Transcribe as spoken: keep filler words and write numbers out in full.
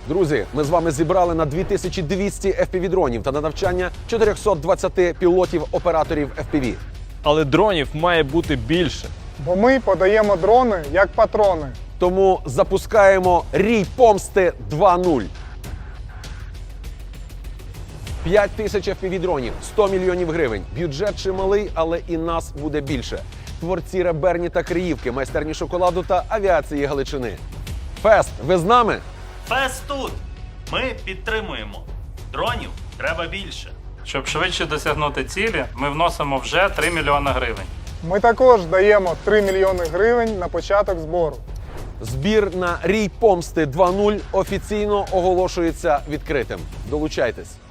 Друзі, ми з вами зібрали на дві тисячі двісті еф пі ві-дронів та на навчання чотириста двадцять пілотів-операторів еф пі ві. Але дронів має бути більше. Бо ми подаємо дрони як патрони. Тому запускаємо Рій помсти два нуль. п'ять тисяч еф пі ві-дронів, сто мільйонів гривень. Бюджет чималий, але і нас буде більше. Творці Реберні та Криївки, майстерні шоколаду та авіації Галичини. Фест, ви з нами? Фест тут! Ми підтримуємо. Дронів треба більше. Щоб швидше досягнути цілі, ми вносимо вже три мільйони гривень. Ми також даємо три мільйони гривень на початок збору. Збір на Рій помсти два нуль офіційно оголошується відкритим. Долучайтесь.